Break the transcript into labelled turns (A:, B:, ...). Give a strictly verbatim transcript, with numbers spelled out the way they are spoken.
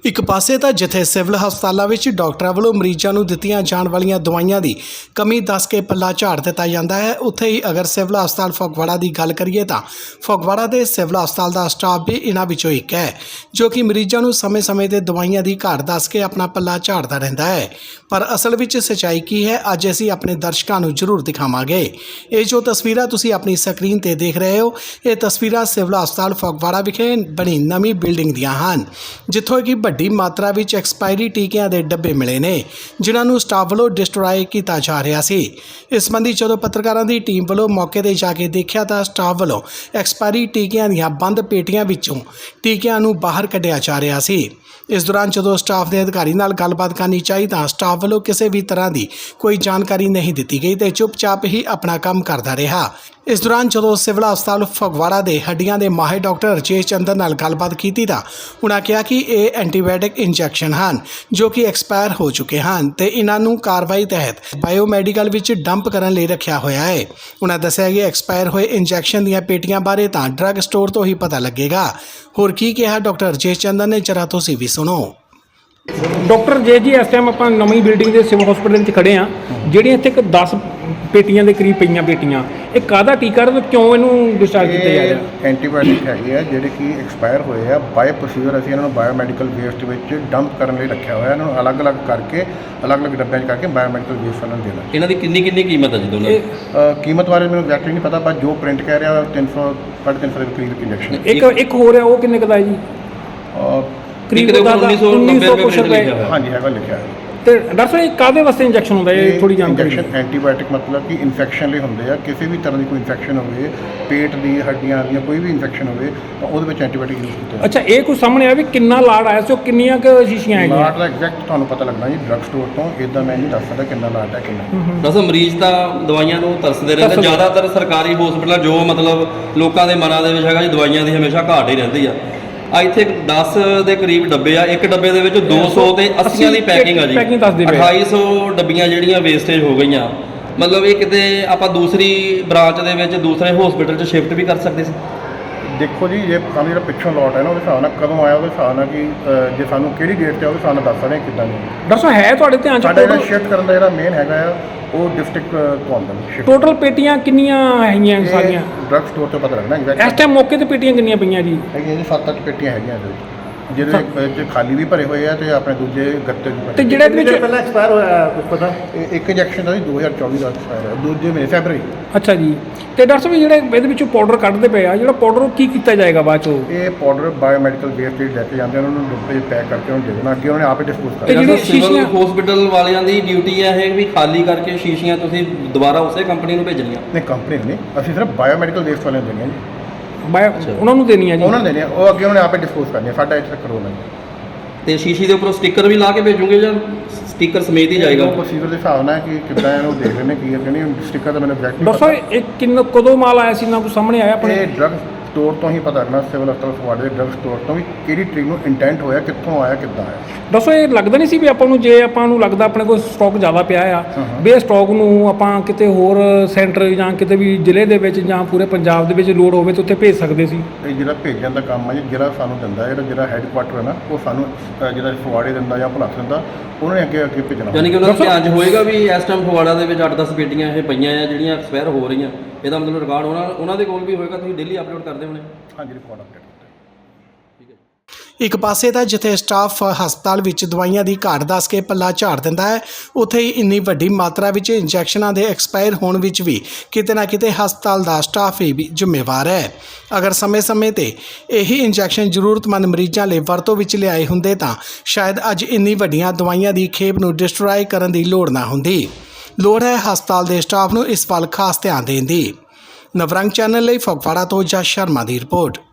A: ਇੱਕ ਪਾਸੇ ਤਾਂ ਜਿੱਥੇ ਸਿਵਲ ਹਸਪਤਾਲਾਂ ਵਿੱਚ ਡਾਕਟਰਾਂ ਵੱਲੋਂ ਮਰੀਜ਼ਾਂ ਨੂੰ ਦਿੱਤੀਆਂ ਜਾਣ ਵਾਲੀਆਂ ਦਵਾਈਆਂ ਦੀ ਕਮੀ ਦੱਸ ਕੇ ਪੱਲਾ ਝਾੜ ਦਿੱਤਾ ਜਾਂਦਾ ਹੈ, ਉੱਥੇ ਹੀ ਅਗਰ ਸਿਵਲ ਹਸਪਤਾਲ ਫਗਵਾੜਾ ਦੀ ਗੱਲ ਕਰੀਏ ਤਾਂ ਫਗਵਾੜਾ ਦੇ ਸਿਵਲ ਹਸਪਤਾਲ ਦਾ ਸਟਾਫ ਵੀ ਇਹਨਾਂ ਵਿੱਚੋਂ ਇੱਕ ਹੈ ਜੋ ਕਿ ਮਰੀਜ਼ਾਂ ਨੂੰ ਸਮੇਂ-ਸਮੇਂ ਤੇ ਦਵਾਈਆਂ ਦੀ ਘਾਟ ਦੱਸ ਕੇ ਆਪਣਾ ਪੱਲਾ ਝਾੜਦਾ ਰਹਿੰਦਾ ਹੈ। ਪਰ ਅਸਲ ਵਿੱਚ ਸੱਚਾਈ ਕੀ ਹੈ, ਅੱਜ ਅਸੀਂ ਆਪਣੇ ਦਰਸ਼ਕਾਂ ਨੂੰ ਜ਼ਰੂਰ ਦਿਖਾਵਾਂਗੇ। ਇਹ ਜੋ ਤਸਵੀਰਾਂ ਤੁਸੀਂ ਆਪਣੀ ਸਕਰੀਨ ਤੇ ਦੇਖ ਰਹੇ ਹੋ, ਇਹ ਤਸਵੀਰਾਂ ਸਿਵਲ ਹਸਪਤਾਲ ਫਗਵਾੜਾ ਵਿਖੇ ਬਣੀ ਨਵੀਂ ਬਿਲਡਿੰਗ ਦੀਆਂ ਹਨ, ਜਿੱਥੋਂ ਕਿ ਵੱਡੀ ਮਾਤਰਾ ਵਿੱਚ ਐਕਸਪਾਇਰੀ ਟੀਕਿਆਂ ਦੇ ਡੱਬੇ ਮਿਲੇ ਨੇ, ਜਿਨ੍ਹਾਂ ਨੂੰ ਸਟਾਫ ਵੱਲੋਂ ਡਿਸਟਰੋਏ ਕੀਤਾ ਜਾ ਰਿਹਾ ਸੀ। ਇਸ ਸੰਬੰਧੀ ਜਦੋਂ ਪੱਤਰਕਾਰਾਂ ਦੀ ਟੀਮ ਵੱਲੋਂ ਮੌਕੇ ਤੇ ਜਾ ਕੇ ਦੇਖਿਆ ਤਾਂ ਸਟਾਫ ਵੱਲੋਂ ਐਕਸਪਾਇਰੀ ਟੀਕਿਆਂ ਦੀਆਂ ਬੰਦ ਪੇਟੀਆਂ ਵਿੱਚੋਂ ਟੀਕਿਆਂ ਨੂੰ ਬਾਹਰ ਕੱਢਿਆ ਜਾ ਰਿਹਾ ਸੀ। ਇਸ ਦੌਰਾਨ ਜਦੋਂ ਸਟਾਫ ਦੇ ਅਧਿਕਾਰੀ ਨਾਲ ਗੱਲਬਾਤ ਕਰਨੀ ਚਾਹੀ ਤਾਂ ਸਟਾਫ ਵੱਲੋਂ ਕਿਸੇ ਵੀ ਤਰ੍ਹਾਂ ਦੀ ਕੋਈ ਜਾਣਕਾਰੀ ਨਹੀਂ ਦਿੱਤੀ ਗਈ ਤੇ ਚੁੱਪਚਾਪ ਹੀ ਆਪਣਾ ਕੰਮ ਕਰਦਾ ਰਿਹਾ। ਇਸ ਦੌਰਾਨ ਜਦੋਂ ਸਿਵਲ ਹਸਪਤਾਲ ਫਗਵਾੜਾ ਦੇ ਹੱਡੀਆਂ ਦੇ ਮਾਹਿਰ ਡਾਕਟਰ ਰਜੇਸ਼ ਚੰਦਨ ਨਾਲ ਗੱਲਬਾਤ ਕੀਤੀ ਤਾਂ ਉਹਨਾਂ ਕਿਹਾ ਕਿ ਇਹ ਐਂਟੀਬਾਇਓਟਿਕ ਇੰਜੈਕਸ਼ਨ ਹਨ ਜੋ ਕਿ ਐਕਸਪਾਇਰ ਹੋ ਚੁੱਕੇ ਹਨ ਤੇ ਇਹਨਾਂ ਨੂੰ ਕਾਰਵਾਈ ਤਹਿਤ ਬਾਇਓਮੈਡੀਕਲ ਵਿੱਚ ਡੰਪ ਕਰਨ ਲਈ ਰੱਖਿਆ ਹੋਇਆ ਹੈ। ਉਹਨਾਂ ਦੱਸਿਆ ਕਿ ਐਕਸਪਾਇਰ ਹੋਏ ਇੰਜੈਕਸ਼ਨ ਦੀਆਂ ਪੇਟੀਆਂ ਬਾਰੇ ਤਾਂ ਡਰੱਗ ਸਟੋਰ ਤੋਂ ਹੀ ਪਤਾ ਲੱਗੇਗਾ। ਹੋਰ ਕੀ ਕਿਹਾ ਡਾਕਟਰ ਰਜੇਸ਼ ਚੰਦਨ ਨੇ, ਜਰਾ ਤੁਸੀਂ ਵੀ ਸੁਣੋ।
B: ਡਾਕਟਰ ਜੇ ਜੀ ਇਸ ਟਾਈਮ ਆਪਾਂ ਨਵੀਂ ਬਿਲਡਿੰਗ ਦੇ ਸਿਵਲ ਹਸਪੀਟਲ ਵਿੱਚ ਖੜੇ ਆ, ਜਿਹੜੀਆਂ ਇੱਥੇ ਇੱਕ ਦਸ ਪੇਟੀਆਂ ਦੇ ਕਰੀਬ ਪਈਆਂ ਪੇਟੀਆਂ, ਇਹ ਕਾਹਦਾ ਟੀਕਾ ਤੇ ਕਿਉਂ ਇਹਨੂੰ ਡਿਸਚਾਰਜ ਕੀਤਾ ਜਾ ਰਿਹਾ?
C: ਐਂਟੀਬਾਇਓਟਿਕ ਹੈਗੇ ਆ ਜਿਹੜੇ ਕਿ ਐਕਸਪਾਇਰ ਹੋਏ ਆ। ਬਾਇਓ ਪ੍ਰੋਸੀਜਰ ਅਸੀਂ ਇਹਨਾਂ ਨੂੰ ਬਾਇਓਮੈਡੀਕਲ ਵੇਸਟ ਵਿੱਚ ਡੰਪ ਕਰਨ ਲਈ ਰੱਖਿਆ ਹੋਇਆ। ਇਹਨਾਂ ਨੂੰ ਅਲੱਗ-ਅਲੱਗ ਕਰਕੇ ਅਲੱਗ-ਅਲੱਗ ਡੱਬਿਆਂ 'ਚ ਕਰਕੇ ਬਾਇਓਮੈਡੀਕਲ ਵੇਸਟ ਉਹਨਾਂ ਨੂੰ ਦੇਣਾ।
D: ਇਹਨਾਂ ਦੀ ਕਿੰਨੀ ਕਿੰਨੀ ਕੀਮਤ ਹੈ ਜੀ ਦੋਨਾਂ ਦੀ?
C: ਕੀਮਤ ਬਾਰੇ ਮੈਨੂੰ ਐਗਜ਼ੈਕਟਲੀ ਨਹੀਂ ਪਤਾ, ਪਰ ਜੋ ਪ੍ਰਿੰਟ ਕਹਿ ਰਿਹਾ ਤਿੰਨ ਸੌ ਸਾਢੇ ਤਿੰਨ ਸੌ ਦੇ ਕਰੀਬ ਇੰਜੈਕਸ਼ਨ।
B: ਇੱਕ ਇੱਕ ਹੋ ਰਿਹਾ, ਉਹ ਕਿੰਨੇ ਕੁ ਦਾ ਹੈ ਜੀ? ਕਰੀਬ
D: ਉੱਨੀ ਸੌ ਨੱਬੇ ਰੁਪਏ।
C: ਹਾਂਜੀ ਹੈਗਾ ਲਿਖਿਆ ਹੈ।
B: ਤੇ ਡਾਕਟਰ ਸਾਹਿਬ ਕਾਹਦੇ ਵਾਸਤੇ ਇੰਜੈਕਸ਼ਨ ਹੁੰਦਾ ਹੈ? ਇਹ ਥੋੜੀ ਜਾਣਕਾਰੀ।
C: ਇੰਜੈਕਸ਼ਨ ਐਂਟੀਬਾਇਓਟਿਕ ਮਤਲਬ ਕਿ ਇਨਫੈਕਸ਼ਨ ਲਈ ਹੁੰਦੇ ਆ। ਕਿਸੇ ਵੀ ਤਰ੍ਹਾਂ ਦੀ ਕੋਈ ਇਨਫੈਕਸ਼ਨ ਹੋਵੇ, ਪੇਟ ਦੀ, ਹੱਡੀਆਂ ਦੀਆਂ ਕੋਈ ਵੀ ਇਨਫੈਕਸ਼ਨ ਹੋਵੇ ਤਾਂ ਉਹਦੇ ਵਿੱਚ ਐਂਟੀਬਾਇਓਟਿਕ ਯੂਜ਼ ਕੀਤੇ।
B: ਅੱਛਾ, ਇਹ ਕੁਝ ਸਾਹਮਣੇ ਆਇਆ ਵੀ ਕਿੰਨਾ ਲਾਟ ਆਇਆ ਸੀ, ਉਹ ਕਿੰਨੀਆਂ ਕੁ ਸ਼ੀਸ਼ੀਆਂ ਆਈਆਂ?
C: ਲਾਟ ਦਾ ਐਗਜ਼ੈਕਟ ਤੁਹਾਨੂੰ ਪਤਾ ਲੱਗਣਾ ਜੀ ਡਰੱਗ ਸਟੋਰ ਤੋਂ। ਇਦਾਂ ਮੈਂ ਨਹੀਂ ਦੱਸ ਸਕਦਾ ਕਿੰਨਾ ਲਾਟ ਹੈ ਕਿੰਨਾ।
D: ਦੱਸੋ, ਮਰੀਜ਼ ਤਾਂ ਦਵਾਈਆਂ ਨੂੰ ਤਰਸਦੇ ਰਹਿੰਦੇ। ਜ਼ਿਆਦਾਤਰ ਸਰਕਾਰੀ ਹਸਪਤਾਲਾਂ ਜੋ ਮਤਲਬ ਲੋਕਾਂ ਦੇ ਮਨਾਂ ਦੇ ਵਿੱਚ ਹੈਗਾ ਜੀ, ਦਵਾਈਆਂ ਦੀ ਹਮੇਸ਼ਾ ਘਾਟ ਹੀ ਰਹਿੰਦੀ ਆ। ਆ ਇੱਥੇ ਦਸ ਦੇ ਕਰੀਬ ਡੱਬੇ ਆ, ਇੱਕ ਡੱਬੇ ਦੇ ਵਿੱਚ ਦੋ ਸੌ ਤੇ ਅੱਸੀਆਂ ਦੀ ਪੈਕਿੰਗ ਆ ਜੀ। ਅਠਾਈ ਸੌ ਡੱਬੀਆਂ ਜਿਹੜੀਆਂ ਵੇਸਟੇਜ ਹੋ ਗਈਆਂ। ਮਤਲਬ ਇਹ ਕਿਤੇ ਆਪਾਂ ਦੂਸਰੀ ਬ੍ਰਾਂਚ ਦੇ ਵਿੱਚ ਦੂਸਰੇ ਹਸਪੀਟਲ 'ਚ ਸ਼ਿਫਟ ਵੀ ਕਰ ਸਕਦੇ ਸੀ।
C: ਦੇਖੋ ਜੀ, ਜੇ ਸਾਨੂੰ ਜਿਹੜਾ ਪਿੱਛੋਂ ਲੋਟ ਹੈ ਨਾ, ਉਹਦੇ ਹਿਸਾਬ ਨਾਲ ਕਦੋਂ ਆਇਆ, ਉਹਦੇ ਹਿਸਾਬ ਨਾਲ ਕਿ ਜੇ ਸਾਨੂੰ ਕਿਹੜੀ ਡੇਟ 'ਤੇ ਉਹਦੇ ਹਿਸਾਬ ਨਾਲ ਦੱਸ ਸਕਦੇ ਕਿੱਦਾਂ ਨਹੀਂ।
B: ਡਾਕਟਰ ਸਾਹਿਬ ਹੈ ਤੁਹਾਡੇ ਧਿਆਨ 'ਚ
C: ਸਾਡਾ ਜਿਹੜਾ ਸ਼ਿਫਟ ਕਰਨ ਦਾ ਜਿਹੜਾ ਮੇਨ ਹੈਗਾ ਆ ਉਹ ਡਿਸਟ੍ਰਿਕਟ ਤੋਂ ਆਉਂਦਾ ਸ਼ਿਫਟ।
B: ਟੋਟਲ ਪੇਟੀਆਂ ਕਿੰਨੀਆਂ ਹੈਗੀਆਂ ਸਾਰੀਆਂ?
C: ਡਰੱਗ ਸਟੋਰ ਤੋਂ ਪਤਾ ਲੱਗਣਾ ਐਗਜ਼ੈਕਟ।
B: ਇਸ ਟਾਈਮ ਮੌਕੇ ਤੇ ਪੇਟੀਆਂ ਕਿੰਨੀਆਂ ਪਈਆਂ ਜੀ?
C: ਹੈਗੀਆਂ ਜੀ ਸੱਤ ਅੱਠ ਪੇਟੀਆਂ ਹੈਗੀਆਂ ਇਹਦੇ ਵਿੱਚ, ਜਿਹਦੇ ਵਿੱਚ ਖਾਲੀ ਵੀ ਭਰੇ ਹੋਏ ਆ ਤੇ ਆਪਣੇ ਦੂਜੇ ਗੱਤੇ ਵੀ ਭਰੇ।
B: ਤੇ ਜਿਹੜੇ ਇਹਦੇ ਵਿੱਚ
E: ਪਹਿਲਾਂ ਐਕਸਪਾਇਰ ਹੋਇਆ ਕੁਝ ਪਤਾ?
C: ਇਹ ਇੱਕ ਇੰਜੈਕਸ਼ਨ ਦਾ ਜੀ ਦੋ ਹਜ਼ਾਰ ਚੌਵੀ ਦਾ ਐਕਸਪਾਇਰ ਹੋਇਆ, ਦੂਜੇ ਮਹੀਨੇ ਫੈਬਰਰੀ।
B: ਅੱਛਾ ਜੀ। ਤੇ ਡਾਕਟਰ ਸਾਹਿਬ ਜਿਹੜੇ ਇਹਦੇ ਵਿੱਚੋਂ ਪਾਊਡਰ ਕੱਢਦੇ ਪਏ ਆ, ਜਿਹੜਾ ਪਾਊਡਰ ਉਹ ਕੀ ਕੀਤਾ ਜਾਏਗਾ ਬਾਅਦ ਚੋਂ?
C: ਇਹ ਪਾਊਡਰ ਬਾਇਓਮੈਡੀਕਲ ਵੇਸਟ ਲੈ ਕੇ ਜਾਂਦੇ ਉਹਨਾਂ ਨੂੰ ਡੱਬੇ ਪੈਕ ਕਰਕੇ ਉਹਨੂੰ ਦੇ ਦੇਣਾ, ਅੱਗੇ ਉਹਨੇ ਆਪੇ ਡਿਸਪੋਜ਼ ਕਰ ਦੇਣਾ।
D: ਜਿਹੜੀ ਸਿਵਲ ਹਸਪੀਟਲ ਵਾਲਿਆਂ ਦੀ ਡਿਊਟੀ ਹੈ ਇਹ ਵੀ ਖਾਲੀ ਕਰਕੇ ਸ਼ੀਸ਼ੀਆਂ ਤੁਸੀਂ ਦੁਬਾਰਾ ਉਸੇ ਕੰਪਨੀ ਨੂੰ ਭੇਜਣੀਆਂ?
C: ਨਹੀਂ, ਕੰਪਨੀ ਨਹੀਂ, ਅਸੀਂ ਸਿਰਫ ਬਾਇਓਮੈਡੀਕਲ ਵੇਸਟ ਵਾਲਿਆਂ ਨੂੰ ਦੇਣੀਆਂ ਜੀ।
B: ਬਾਇਓ ਉਹਨਾਂ ਨੂੰ ਦੇਣੀ ਆ ਜੀ?
C: ਉਹਨਾਂ ਨੂੰ ਦੇਣੀ ਆ, ਉਹ ਅੱਗੇ ਉਹਨੇ ਆਪੇ ਡਿਸਪੋਜ਼ ਕਰਨੀ ਆ। ਸਾਡਾ ਇੱਥੇ ਕਰੋਨਾ ਜੀ।
D: ਤੇ ਸ਼ੀਸ਼ੀ ਦੇ ਉੱਪਰੋਂ ਸਟicker ਵੀ ਲਾ ਕੇ ਭੇਜੋਗੇ ਜਾਂ ਸਟicker ਸਮੇਤ ਹੀ ਜਾਏਗਾ?
C: ਉਹ ਪ੍ਰੋਸੀਜਰ ਦੇ ਹਿਸਾਬ ਨਾਲ ਕਿ ਕਿੱਦਾਂ ਇਹਨੂੰ ਦੇਖ ਰਹੇ ਨੇ ਕੀ ਹੈ ਕਿ ਨਹੀਂ। ਸਟicker ਤਾਂ ਮੈਨੂੰ ਐਗਜ਼ੈਕਟ
B: ਡਾਕਟਰ ਸਾਹਿਬ ਇਹ ਕਿੰਨਾ ਕਦੋਂ ਮਾਲ ਆਇਆ ਸੀ, ਨਾ ਕੁਝ ਸਾਹਮਣੇ ਆਇਆ ਆਪਣੇ?
C: ਇਹ ਡਰੱਗ ਸਟੋਰ ਤੋਂ ਹੀ ਪਤਾ ਲੱਗਣਾ, ਸਿਵਲ ਹਸਪਤਾਲ ਫਗਵਾੜੇ ਦੇ ਡਰੱਗ ਸਟੋਰ ਤੋਂ ਵੀ ਕਿਹੜੀ ਟ੍ਰਿਕ ਨੂੰ ਇੰਟੈਂਟ ਹੋਇਆ, ਕਿੱਥੋਂ ਆਇਆ, ਕਿੱਦਾਂ ਆਇਆ।
B: ਡਾਕਟਰ ਸਾਹਿਬ ਇਹ ਲੱਗਦਾ ਨਹੀਂ ਸੀ ਵੀ ਆਪਾਂ ਨੂੰ, ਜੇ ਆਪਾਂ ਨੂੰ ਲੱਗਦਾ ਆਪਣੇ ਕੋਲ ਸਟਾਕ ਜ਼ਿਆਦਾ ਪਿਆ ਆ, ਵੀ ਇਹ ਸਟਾਕ ਨੂੰ ਆਪਾਂ ਕਿਤੇ ਹੋਰ ਸੈਂਟਰ ਜਾਂ ਕਿਤੇ ਵੀ ਜ਼ਿਲ੍ਹੇ ਦੇ ਵਿੱਚ ਜਾਂ ਪੂਰੇ ਪੰਜਾਬ ਦੇ ਵਿੱਚ ਲੋੜ ਹੋਵੇ ਤਾਂ ਉੱਥੇ ਭੇਜ ਸਕਦੇ ਸੀ?
C: ਇਹ ਜਿਹੜਾ ਭੇਜਣ ਦਾ ਕੰਮ ਹੈ ਜੀ, ਜਿਹੜਾ ਸਾਨੂੰ ਦਿੰਦਾ, ਜਿਹੜਾ ਜਿਹੜਾ ਹੈੱਡਕੁਆਟਰ ਹੈ ਨਾ, ਉਹ ਸਾਨੂੰ ਜਿਹੜਾ ਫਗਵਾੜੇ ਦਿੰਦਾ ਜਾਂ ਭੁਲੱਥ ਦਿੰਦਾ, ਉਹਨਾਂ ਨੇ ਅੱਗੇ ਅੱਗੇ ਭੇਜਣਾ।
D: ਯਾਨੀ ਕਿ ਉਹਨਾਂ ਦਾ ਧਿਆਨ 'ਚ ਹੋਏਗਾ ਵੀ ਇਸ ਟਾਈਮ ਫਗਵਾੜਾ ਦੇ ਵਿੱਚ ਅੱਠ ਦਸ ਪੇਟੀਆਂ ਇਹ ਪਈਆਂ ਆ ਜਿਹੜੀਆਂ ਐਕਸਪਾਇਰ ਹੋ ਰਹੀਆਂ। ਇਹਦਾ ਮਤਲਬ ਰਿਕਾਰਡ ਉਹਨਾਂ ਉਹਨਾਂ ਦੇ ਕੋਲ ਵੀ ਹੋਏਗਾ, ਤੁਸੀਂ ਡੇਲੀ ਅਪਲੋਡ ਕਰਦੇ ਹੋਣੇ?
C: ਹਾਂਜੀ, ਰਿਕਾਰਡ ਅਪਡੇਟ ਕਰਦੇ।
A: ਇੱਕ ਪਾਸੇ ਤਾਂ ਜਿੱਥੇ ਸਟਾਫ ਹਸਪਤਾਲ ਵਿੱਚ ਦਵਾਈਆਂ ਦੀ ਘਾਟ ਦੱਸ ਕੇ ਪੱਲਾ ਝਾੜ ਦਿੰਦਾ ਹੈ, ਉੱਥੇ ਹੀ ਇੰਨੀ ਵੱਡੀ ਮਾਤਰਾ ਵਿੱਚ ਇੰਜੈਕਸ਼ਨਾਂ ਦੇ ਐਕਸਪਾਇਰ ਹੋਣ ਵਿੱਚ ਵੀ ਕਿਤੇ ਨਾ ਕਿਤੇ ਹਸਪਤਾਲ ਦਾ ਸਟਾਫ ਹੀ ਵੀ ਜ਼ਿੰਮੇਵਾਰ ਹੈ। ਅਗਰ ਸਮੇਂ-ਸਮੇਂ ਤੇ ਇਹੀ ਇੰਜੈਕਸ਼ਨ ਜ਼ਰੂਰਤਮੰਦ ਮਰੀਜ਼ਾਂ ਲਈ ਵਰਤੋਂ ਵਿੱਚ ਲਿਆਏ ਹੁੰਦੇ ਤਾਂ ਸ਼ਾਇਦ ਅੱਜ ਇੰਨੀ ਵੱਡੀਆਂ ਦਵਾਈਆਂ ਦੀ ਖੇਪ ਨੂੰ ਡਿਸਟਰੋਏ ਕਰਨ ਦੀ ਲੋੜ ਨਾ ਹੁੰਦੀ। ਲੋੜ ਹੈ ਹਸਪਤਾਲ ਦੇ ਸਟਾਫ ਨੂੰ ਇਸ ਵੱਲ ਖਾਸ ਧਿਆਨ ਦੇਣ ਦੀ। ਨਵਰੰਗ ਚੈਨਲ ਲਈ ਫਗਵਾੜਾ ਤੋਂ ਜਸ ਸ਼ਰਮਾ ਦੀ ਰਿਪੋਰਟ।